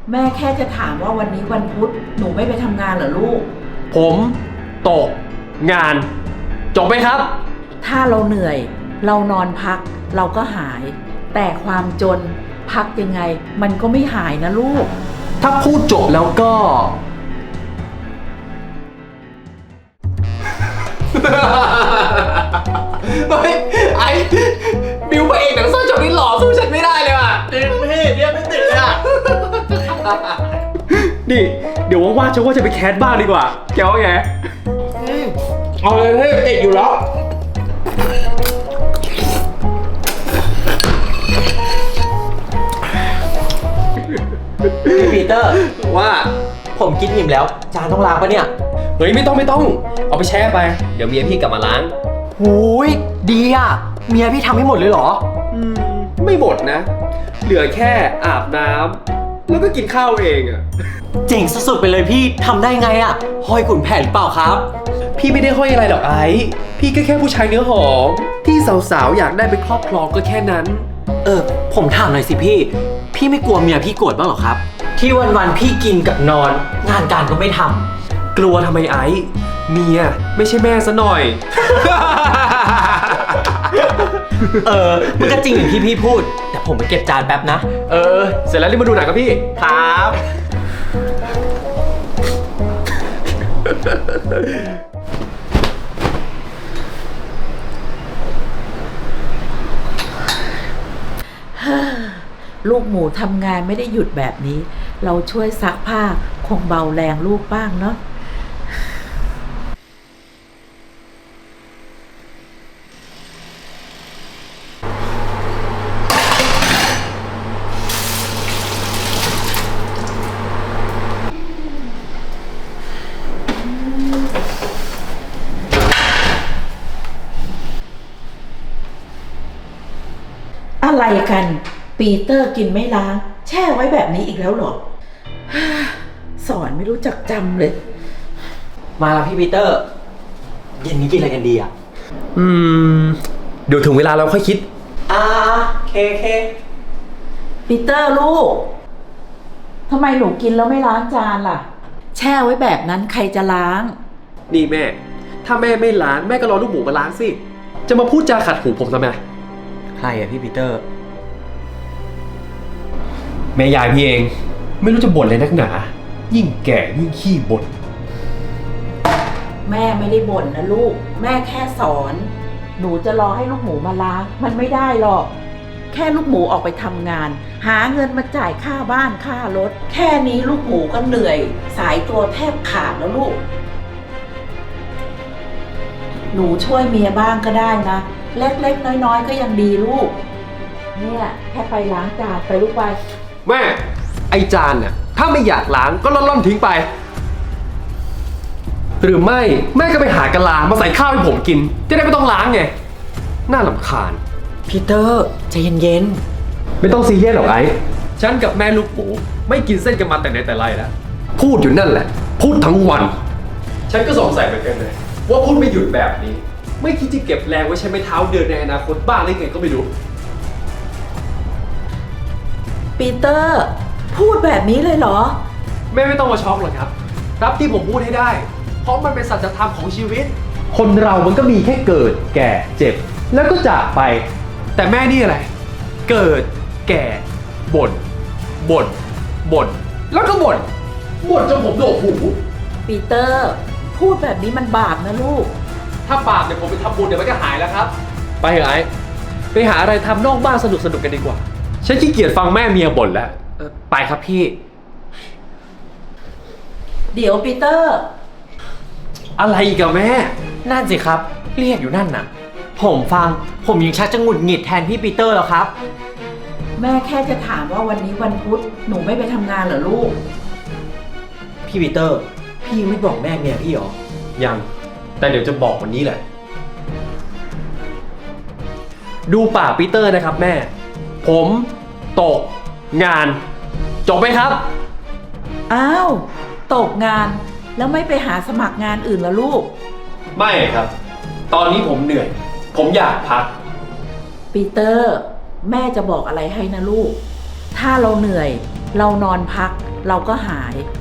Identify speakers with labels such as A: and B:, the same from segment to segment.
A: แม่แค่จะถามว่าวันนี้วันพุธหนูไม่ไปทำงานเหรอลูก
B: ผมตกงานจบไหมครับ
A: ถ้าเราเหนื่อยเรานอนพักเราก็หาย แต่ความจนพักยังไงมันก็ไม่หายนะลูก
B: ถ้าพูดจบแล้วก็ เฮ้ยไอ้บิวพระเอกหนังสั้นจบนี้หล่อสู้ฉันไม่ได้เลยว่ะ
C: จริงพี่เนี่ยไม่ติดเลยอ่ะ
B: นี่เดี๋ยวว่างๆฉันว่าจะไปแคสบ้างดีกว่าแกว่าไง
C: เอาเลยพี่ติดอยู่แล้ว
D: พี่ปีเตอร์
B: ว่า
D: ผมกินอิ่มแล้วจานต้องล้างปะเนี่ย
B: เฮ้ยไม่ต้องเอาไปแช่ไปเดี๋ยวเมียพี่กลับมาล้าง
D: หูยดีอ่ะเมียพี่ทำให้หมดเลยเหรอ
B: ไม่หมดนะเหลือแค่อาบน้ำแล้วก็กินข้าวเองอ่ะ
D: เจ๋งสุดๆไปเลยพี่ทำได้ไงอ่ะห้อยขุนแผนหรือเปล่าครับ
B: พี่ไม่ได้ห้อยอะไรหรอกไอ้พี่ก็แค่ผู้ชายเนื้อหอมที่สาวๆอยากได้ไปครอบครองก็แค่นั้น
D: ผมถามหน่อยสิพี่ไม่กลัวเมียพี่โกรธบ้างหรอครับที่วันๆพี่กินกับนอนงานการก็ไม่ทำ
B: กลัวทำไมไอ้เมียไม่ใช่แม่ซะหน่อย
D: มันก็จริงอย่างที่พี่พูดแต่ผมไปเก็บจานแป๊บนะ
B: เสร็จแล้วรีบมาดูหนังกับพี่
D: ครับ
A: ลูกหมูทำงานไม่ได้หยุดแบบนี้เราช่วยซักผ้าคงเบาแรงลูกบ้างเนาะอะไรกันปีเตอร์กินไม่ล้างแช่ไว้แบบนี้อีกแล้วเหรอสอนไม่รู้จักจำเลย
D: มาแล้วพี่ปีเตอร์เย็นนี้กินอะไรกันดีอ่ะ
B: เดี๋ยวถึงเวลาเราค่อยคิด
D: เค
A: ปีเตอร์ลูกทำไมหนูกินแล้วไม่ล้างจานล่ะแช่ไว้แบบนั้นใครจะล้าง
B: นี่แม่ถ้าแม่ไม่ล้างแม่ก็รอลูกหมูมาล้างสิจะมาพูดจาขัดหูผมทำไม
D: ใครอะพี่ปีเตอร์
B: แม่ยายพี่เองไม่รู้จะบ่นเลยนักหนายิ่งแก่ยิ่งขี้บ่น
A: แม่ไม่ได้บ่นนะลูกแม่แค่สอนหนูจะรอให้ลูกหมูมาล้างมันไม่ได้หรอกแค่ลูกหมูออกไปทำงานหาเงินมาจ่ายค่าบ้านค่ารถแค่นี้ลูกหมูก็เหนื่อยสายตัวแทบขาดแล้วลูกหนูช่วยเมียบ้างก็ได้นะเล็กๆน้อยๆก็ยังดีลูกเนี่ยแค่ไปล้างจานไปลูกไป
B: แม่ไอจานน่ะถ้าไม่อยากล้างก็ล่อนทิ้งไปหรือไม่แม่ก็ไปหากะลามาใส่ข้าวให้ผมกินจะได้ไม่ต้องล้างไงน่ารำคาญ
D: พีเตอร์ใจเย็น
B: ๆไม่ต้องซีเรียสหรอกไอ้ฉันกับแม่ลูกหมูไม่กินเส้นกันมาแต่ไหนแต่ไรแล้วพูดอยู่นั่นแหละพูดทั้งวันฉันก็สงสัยเหมือนกันเลยว่าพูดไม่หยุดแบบนี้ไม่คิดจะเก็บแรงไว้ใช้ไม้เท้าเดินในอนาคตบ้างหรือไงก็ไม่รู้
A: ปีเตอร์พูดแบบนี้เลยเหรอ
B: แม่ไม่ต้องมาช็อกหรอกครับรับที่ผมพูดให้ได้เพราะมันเป็นสัจธรรมของชีวิตคนเรามันก็มีแค่เกิดแก่เจ็บแล้วก็จากไปแต่แม่นี่อะไรเกิดแก่บ่นแล้วก็บ่นจนผมโดกหู
A: ปีเตอร์พูดแบบนี้มันบาปนะลูก
B: ถ้าบาปเดี๋ยวผมไปทำบุญเดี๋ยวมันก็หายแล้วครับไปเถอะไอ้ไปหาอะไรทำนอกบ้านสนุกกันดีกว่าฉันขี้เกียจฟังแม่เมียบ่นแล้วไปครับพี่
A: เดี๋ยวปีเตอร์
B: อะไรอีกอะแม่
D: นั่นสิครับเรียกอยู่นั่นน่ะผมยังชักจะหงุดหงิดแทนพี่ปีเตอร์แล้วครับ
A: แม่แค่จะถามว่าวันนี้วันพุธหนูไม่ไปทำงานเหรอลูก
D: พี่ปีเตอร์พี่ไม่บอกแม่เมียพี่หรอ
B: ยังแต่เดี๋ยวจะบอกวันนี้แหละดูปากปีเตอร์นะครับแม่ผมตกงานจบไหมครับ
A: อ้าวตกงานแล้วไม่ไปหาสมัครงานอื่นเหรอลูก
B: ไม่ครับตอนนี้ผมเหนื่อยผมอยากพัก
A: ปีเตอร์แม่จะบอกอะไรให้นะลูกถ้าเราเหนื่อยเรานอนพักเราก็หาย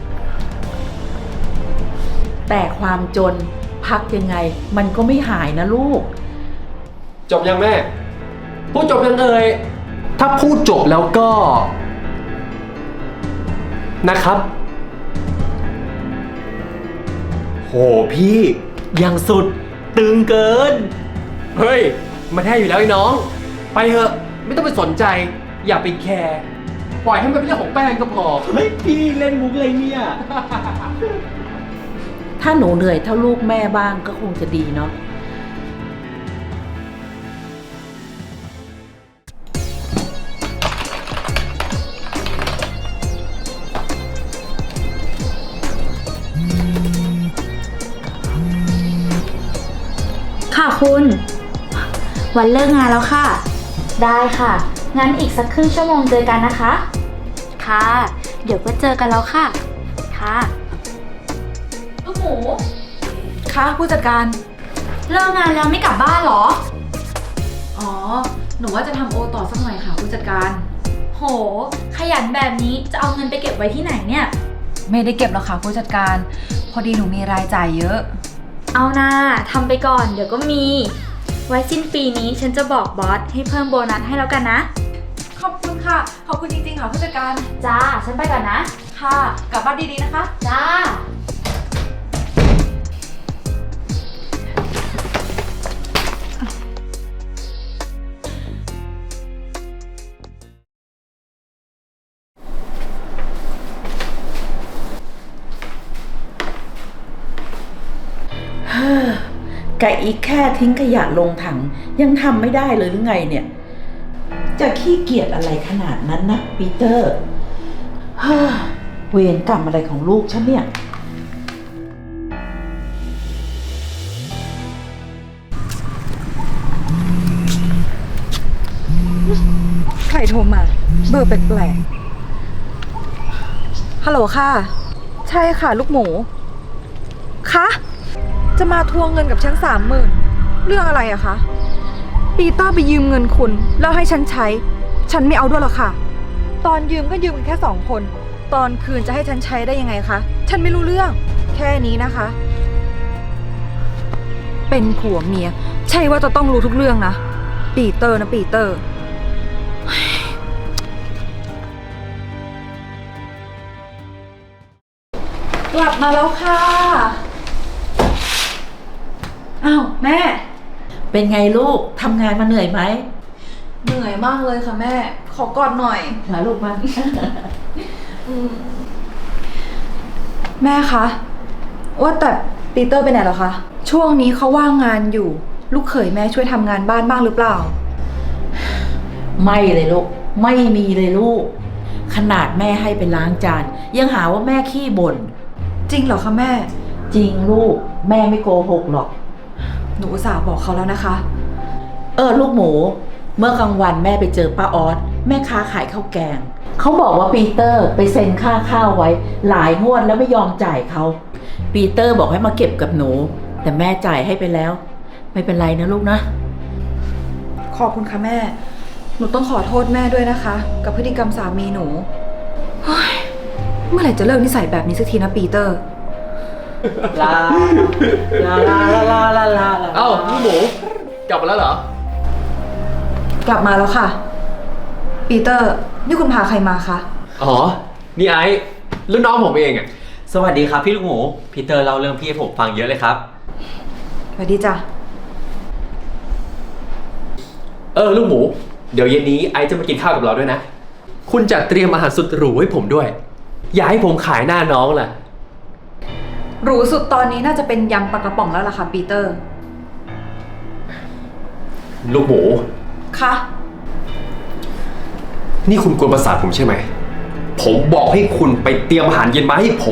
A: แต่ความจนพักยังไงมันก็ไม่หายนะลูก
B: จบยังแม่ พูดจบยังเอ่ยถ้าพูดจบแล้วก็ นะครับ
D: โหพี่ยังสุดตึงเกิน
B: เฮ้ย มันแท้อยู่แล้วไอ้น้อง ไปเถอะ ไม่ต้องไปสนใจ อย่าไปแคร์ ปล่อยให้มันเป็นเรื่องของแป้งก็พอ
D: เฮ้ยพี่เล่นมุกอะไรเนี่ย
A: ถ้าหนูเหนื่อยเท่าลูกแม่บ้างก็คงจะดีเนาะ
E: ค่ะคุณ วันเลิกงานแล้วค่ะ ได้ค่ะ งั้นอีกสักครึ่งชั่วโมงเจอกันนะคะ ค่ะ เดี๋ยวก็เจอกันแล้วค่ะ ค่ะลูกหมู
F: ค่ะผู้จัดการ
E: เลิกงานแล้วไม่กลับบ้านเหรอ
F: อ๋อ หนูว่าจะทำโอต่อสักหน่อยค่ะผู้จัดการ
E: โห ขยันแบบนี้จะเอาเงินไปเก็บไว้ที่ไหนเนี่ย
F: ไม่ได้เก็บหรอกค่ะผู้จัดการ พอดีหนูมีรายจ่ายเยอะ
E: เอานาทำไปก่อนเดี๋ยวก็มี ไว้สิ้นปีนี้ฉันจะบอกบอสให้เพิ่มโบนัสให้แล้วกันนะ
F: ขอบคุณค่ะ ขอบคุณจริงๆค่ะผู้จัดการ
E: จ้า ฉันไปก่อนนะ
F: ค่ะ กลับบ้านดีๆนะคะ
E: จ้า
A: ไก่อีกแค่ทิ้งขยะลงถังยังทำไม่ได้เลยหรือไงเนี่ย จะขี้เกียจอะไรขนาดนั้นนะปีเตอร์ เวรกรรมอะไรของลูกฉันเนี่ย
F: ใครโทรมา เบอร์แปลกๆฮัลโหลค่ะ ใช่ค่ะลูกหมู คะ จะมาทวงเงินกับฉัน30,000เรื่องอะไรอะคะ ปีเตอร์ไปยืมเงินคุณแล้วให้ฉันใช้ ฉันไม่เอาด้วยหรอกค่ะ ตอนยืมก็ยืมกันแค่2 คน ตอนคืนจะให้ฉันใช้ได้ยังไงคะ ฉันไม่รู้เรื่อง แค่นี้นะคะ เป็นผัวเมีย ใช่ว่าจะต้องรู้ทุกเรื่องนะ ปีเตอร์นะปีเตอร์ กลับมาแล้วค่ะ อ้าวแม่
A: เป็นไงลูกทำงานมาเหนื่อยไหม
F: เหนื่อยมากเลยค่ะแม่ ขอกอดหน่อย
A: มาลูกมา
F: แม่คะ ว่าแต่ปีเตอร์ไปไหนเหรอคะ ช่วงนี้เขาว่างงานอยู่ ลูกเขยแม่ช่วยทำงานบ้านบ้างหรือเปล่า
A: ไม่เลยลูก ไม่มีเลยลูก ขนาดแม่ให้ไปล้างจาน ยังหาว่าแม่ขี้บ่น
F: จริงเหรอคะแม่
A: จริงลูก แม่ไม่โกหกหรอก
F: หนูอุตส่าห์บอกเขาแล้วนะคะ
A: ลูกหมู เมื่อกลางวันแม่ไปเจอป้าออสแม่ค้าขายข้าวแกง เขาบอกว่าปีเตอร์ไปเซ็นค่าข้าวไว้ หลายงวดแล้วไม่ยอมจ่ายเขา ปีเตอร์บอกให้มาเก็บกับหนู แต่แม่จ่ายให้ไปแล้ว ไม่เป็นไรนะลูกนะ
F: ขอบคุณค่ะแม่ หนูต้องขอโทษแม่ด้วยนะคะ กับพฤติกรรมสามีหนูเฮ้ยเมื่อไหร่จะเลิกนิสัยแบบนี้สักทีนะปีเตอร์
A: ลาลาลาลาลาลา
B: เอ้าลูกหมู กลับมาแล้วเหรอ
F: กลับมาแล้วค่ะ ปีเตอร์ นี่คุณพาใครมาคะ
B: อ๋อ นี่ไอ้รุ่นน้องผมเองอ่ะ
D: สวัสดีครับพี่ลูกหมูพีเตอร์เล่าเรื่องพี่ให้ผมฟังเยอะเลยครับ
F: สวัสดีจ้ะ
B: ลูกหมู เดี๋ยวเย็นนี้ไอ้จะมากินข้าวกับเราด้วยนะ คุณจัดเตรียมอาหารสุดหรูให้ผมด้วย อย่าให้ผมขายหน้าน้องล่ะ
F: หรูสุดตอนนี้น่าจะเป็นยำปลากระป๋องแล้วล่ะค่ะปีเตอร์
B: ลูกหมู
F: คะ
B: นี่คุณกวนประสาทผมใช่ไหม ผมบอกให้คุณไปเตรียมอาหารเย็นมาให้ผม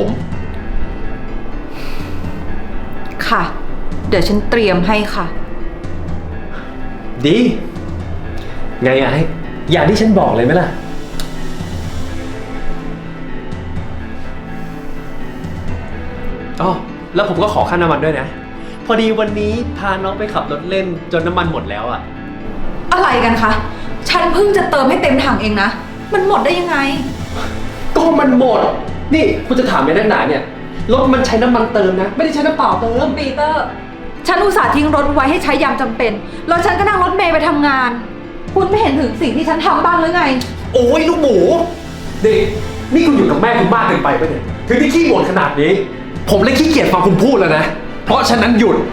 F: ค่ะ เดี๋ยวฉันเตรียมให้ค่ะ
B: ดี ไงไอ้อย่างที่ฉันบอกเลยไหมล่ะ อ๋อ แล้วผมก็ขอค่าน้ำมันด้วยนะ พอดีวันนี้พาน้องไปขับรถเล่นจนน้ำมันหมดแล้วอ่ะ
F: อะไรกันคะ ฉันเพิ่งจะเติมให้เต็มถังเองนะ มันหมดได้ยังไง
B: ก็ก็มันหมด นี่คุณจะถามในด้านไหนเนี่ย รถมันใช้น้ำมันเติมนะ ไม่ได้ใช้น้ำเปล่าเติม
F: ปีเตอร์ ฉันอุตส่าห์ทิ้งรถไว้ให้ใช้ยามจำเป็น แล้วฉันก็นั่งรถเมล์ไปทำงาน คุณไม่เห็นถึงสิ่งที่ฉันทำบ้างหรือไง
B: โอ้ยลูกหมูนี่คุณอยู่กับแม่คุณมากเกินไปปะเนี่ยถึงที่ขี้บ่นขนาดนี้ ผมเลยขี้เกียจฟังคุณพูดแล้วนะ เพราะฉะนั้นหยุด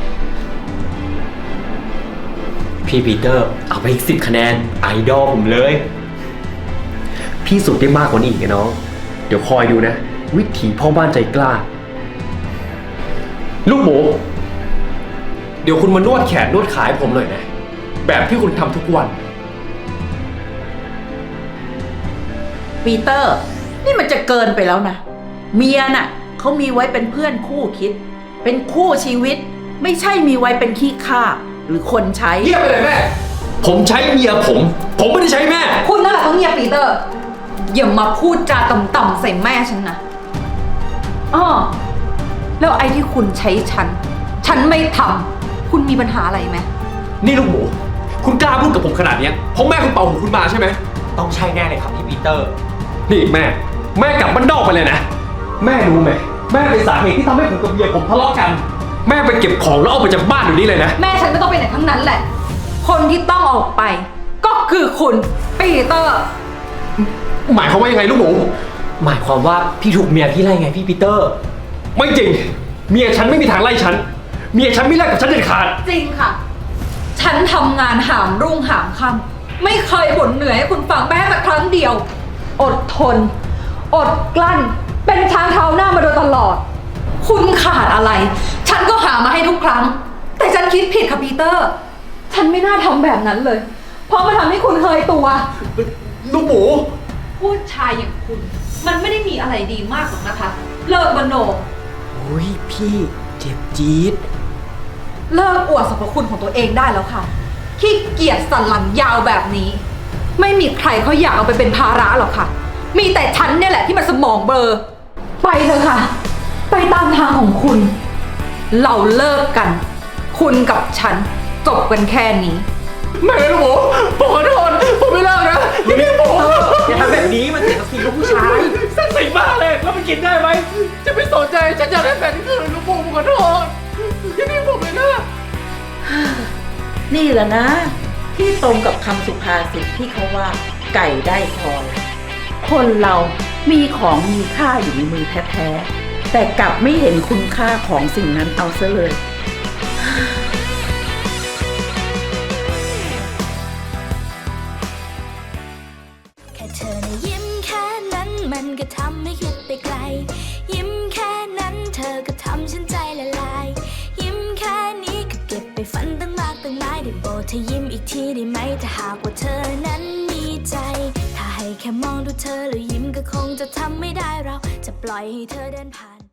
D: พี่ปีเตอร์เอาไปอีก10 คะแนนไอดอลผมเลย พี่สุดได้มากกว่านี้อีกนะน้อง เดี๋ยวคอยดูนะ วิถีพ่อบ้านใจกล้า
B: ลูกหมู เดี๋ยวคุณมานวดแขนนวดขาให้ผมหน่อยนะ แบบที่คุณทำทุกวัน
A: ปีเตอร์ นี่มันจะเกินไปแล้วนะ เมียน่ะเขามีไว้เป็นเพื่อนคู่คิด เป็นคู่ชีวิต ไม่ใช่มีไว้เป็นขี้ข้าหรือคนใช้
B: เงียบไปเลยแม่ ผมใช้เมียผมไม่ได้ใช้แม่
F: คุณนั่นแหละต้องเงียบปีเตอร์ อย่ามาพูดจาต่ำๆใส่แม่ฉันนะอ้อแล้วไอ้ที่คุณใช้ฉันไม่ทำคุณมีปัญหาอะไรไหม
B: นี่ลูกหมู คุณกล้าพูดกับผมขนาดเนี้ยเพราะแม่คุณเป่าหูคุณมาใช่ไหม
D: ต้องใช่แน่เลยครับพี่ปีเตอร์
B: นี่แม่กลับบ้านนอกไปเลยนะ แม่รู้ไหมแม่เป็นสาเหตุที่ทำให้ผมกับเมียผมทะเลาะกัน แม่ไปเก็บของแล้วออกไปจากบ้านอยู่นี่เลยนะ
F: แม่ฉันไม่ต้องไปไหนทั้งนั้นแหละ คนที่ต้องออกไป ก็คือคุณปีเตอร์
B: หมายความว่ายังไงลูกหมู
D: หมายความว่าพี่ถูกเมียพี่ไล่ไงพี่ปีเตอร์
B: ไม่จริง เมียฉันไม่มีทางไล่ฉัน เมียฉันไม่ไล่กับฉันเด็ดขาด
F: จริงค่ะ ฉันทำงานหามรุ่งหามค่ำไม่เคยบ่นเหนื่อยให้คุณฟังแม้แต่ครั้งเดียว อดทน อดกลั้น เป็นช้างเท้าหน้ามาโดยตลอด คุณขาดอะไร ฉันก็หามาให้ทุกครั้ง แต่ฉันคิดผิดค่ะปีเตอร์ ฉันไม่น่าทำแบบนั้นเลย เพราะมันทำให้คุณเคยตัว
B: ลูกหมู
F: ผู้ชายอย่างคุณ มันไม่ได้มีอะไรดีมากหรอกนะคะ เลิกมโน
D: อุ้ยพี่เจ็บจี๊ด
F: เลิกอวดสรรพคุณของตัวเองได้แล้วค่ะขี้เกียจสันหลังยาวแบบนี้ ไม่มีใครเขาอยากเอาไปเป็นภาระหรอกค่ะ มีแต่ฉันเนี่ยแหละที่มันสมองเบลอไปเถอะค่ะ ไปตามทางของคุณ เราเลิกกัน คุณกับฉันจบกันแค่นี้
B: ไม่ลูกหมูผมขอโทษผมไม่เลิกนะอย่าพี่ผม
D: อย่าทำแบบนี้มันเสียศักดิ์ศรีลูกผู้ชาย
B: สักสิ่งมากเลยแล้วมันกินได้ไหมจะไม่สนใจฉันอยากได้แฟนคืนลูกหมูผมขอโทษอย่าพี่ผมเลยนะ
A: นี่แหละนะ ที่ตรงกับคำสุภาษิตที่เขาว่าไก่ได้พลอยคนเรามีของมีค่าอยู่ในมือแท้ๆแต่กลับไม่เห็นคุณค่าของสิ่งนั้นเอาซะเลย
G: แค่เธอนะยิ้มแค่นั้นมันก็ทำให้คิดไปไกล ยิ้มแค่นั้นเธอก็ทำฉันใจละลาย ยิ้มแค่นี้ก็เก็บไปฝันตั้งมากตั้งหลายได้โปรดเธอยิ้มอีกทีได้ไหมถ้าหากว่าเธอนั้นมีใจ ถ้าให้แค่มองดูเธอแล้วยิ้มก็คงจะทำไม่ได้เราจะปล่อยให้เธอเดินผ่าน